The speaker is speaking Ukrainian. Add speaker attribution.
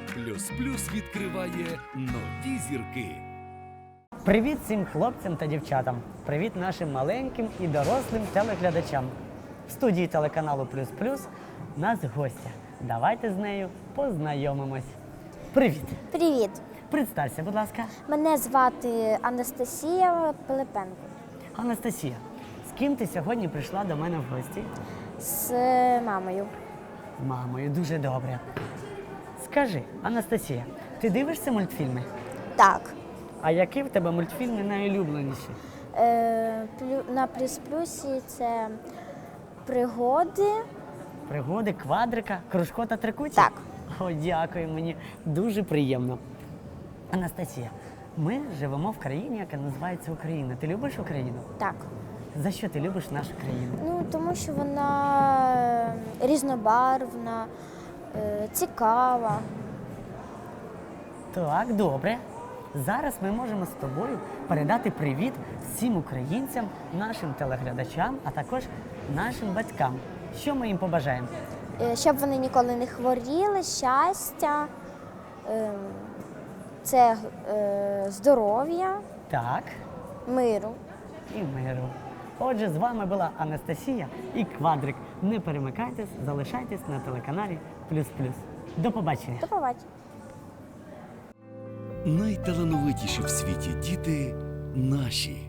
Speaker 1: Плюс Плюс відкриває нові зірки.
Speaker 2: Привіт всім хлопцям та дівчатам! Привіт нашим маленьким і дорослим телеглядачам! В студії телеканалу Плюс Плюс нас гостя. Давайте з нею познайомимось. Привіт!
Speaker 3: Привіт!
Speaker 2: Представся, будь ласка.
Speaker 3: Мене звати Анастасія Пилипенко.
Speaker 2: Анастасія, з ким ти сьогодні прийшла до мене в гості?
Speaker 3: З мамою.
Speaker 2: З мамою, дуже добре. Скажи, Анастасія, ти дивишся мультфільми?
Speaker 3: Так.
Speaker 2: А які в тебе мультфільми найулюбленіші?
Speaker 3: На Плюс Плюсі це пригоди.
Speaker 2: Пригоди, квадрика, кружко та трикуті?
Speaker 3: Так.
Speaker 2: О, дякую, мені дуже приємно. Анастасія, ми живемо в країні, яка називається Україна. Ти любиш Україну?
Speaker 3: Так.
Speaker 2: За що ти любиш нашу країну?
Speaker 3: Ну, тому що вона різнобарвна, цікава.
Speaker 2: Так, добре. Зараз ми можемо з тобою передати привіт всім українцям, нашим телеглядачам, а також нашим батькам. Що ми їм побажаємо?
Speaker 3: Щоб вони ніколи не хворіли, щастя, це здоров'я,
Speaker 2: Так,
Speaker 3: миру.
Speaker 2: і миру. Отже, з вами була Анастасія і Квадрик. Не перемикайтесь, залишайтесь на телеканалі Плюс Плюс. До побачення.
Speaker 3: До побачення.
Speaker 1: Найталановитіші в світі діти наші.